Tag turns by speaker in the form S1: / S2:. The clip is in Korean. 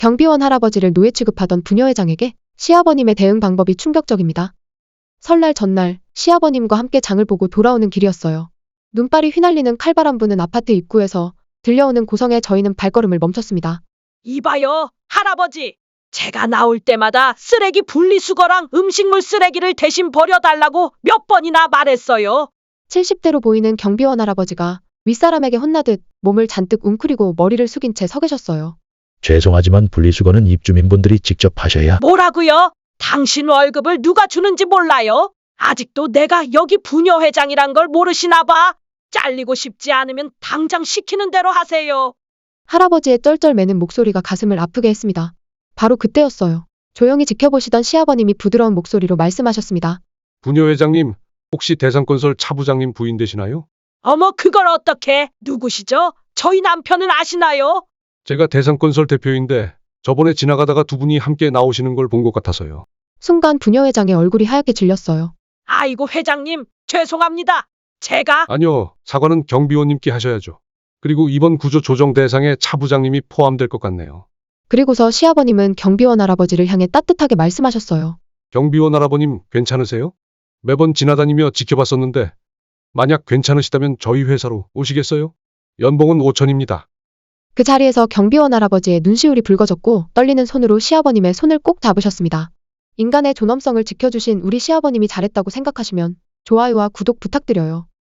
S1: 경비원 할아버지를 노예 취급하던 부녀회장에게 시아버님의 대응 방법이 충격적입니다. 설날 전날 시아버님과 함께 장을 보고 돌아오는 길이었어요. 눈발이 휘날리는 칼바람 부는 아파트 입구에서 들려오는 고성에 저희는 발걸음을 멈췄습니다.
S2: 이봐요, 할아버지. 제가 나올 때마다 쓰레기 분리수거랑 음식물 쓰레기를 대신 버려달라고 몇 번이나 말했어요.
S1: 70대로 보이는 경비원 할아버지가 윗사람에게 혼나듯 몸을 잔뜩 웅크리고 머리를 숙인 채 서 계셨어요.
S3: 죄송하지만 분리수거는 입주민분들이 직접 하셔야.
S2: 뭐라고요? 당신 월급을 누가 주는지 몰라요? 아직도 내가 여기 부녀회장이란 걸 모르시나 봐. 잘리고 싶지 않으면 당장 시키는 대로 하세요.
S1: 할아버지의 쩔쩔매는 목소리가 가슴을 아프게 했습니다. 바로 그때였어요. 조용히 지켜보시던 시아버님이 부드러운 목소리로 말씀하셨습니다.
S4: 부녀회장님, 혹시 대상건설 차부장님 부인 되시나요?
S2: 어머, 그걸 어떻게? 누구시죠? 저희 남편은 아시나요?
S4: 제가 대상건설 대표인데 저번에 지나가다가 두 분이 함께 나오시는 걸 본 것 같아서요.
S1: 순간 부녀회장의 얼굴이 하얗게 질렸어요.
S2: 아이고, 회장님, 죄송합니다. 제가
S4: 아니요, 사과는 경비원님께 하셔야죠. 그리고 이번 구조 조정 대상에 차부장님이 포함될 것 같네요.
S1: 그리고서 시아버님은 경비원 할아버지를 향해 따뜻하게 말씀하셨어요.
S4: 경비원 할아버님 괜찮으세요? 매번 지나다니며 지켜봤었는데 만약 괜찮으시다면 저희 회사로 오시겠어요? 연봉은 5천입니다.
S1: 그 자리에서 경비원 할아버지의 눈시울이 붉어졌고 떨리는 손으로 시아버님의 손을 꼭 잡으셨습니다. 인간의 존엄성을 지켜주신 우리 시아버님이 잘했다고 생각하시면 좋아요와 구독 부탁드려요.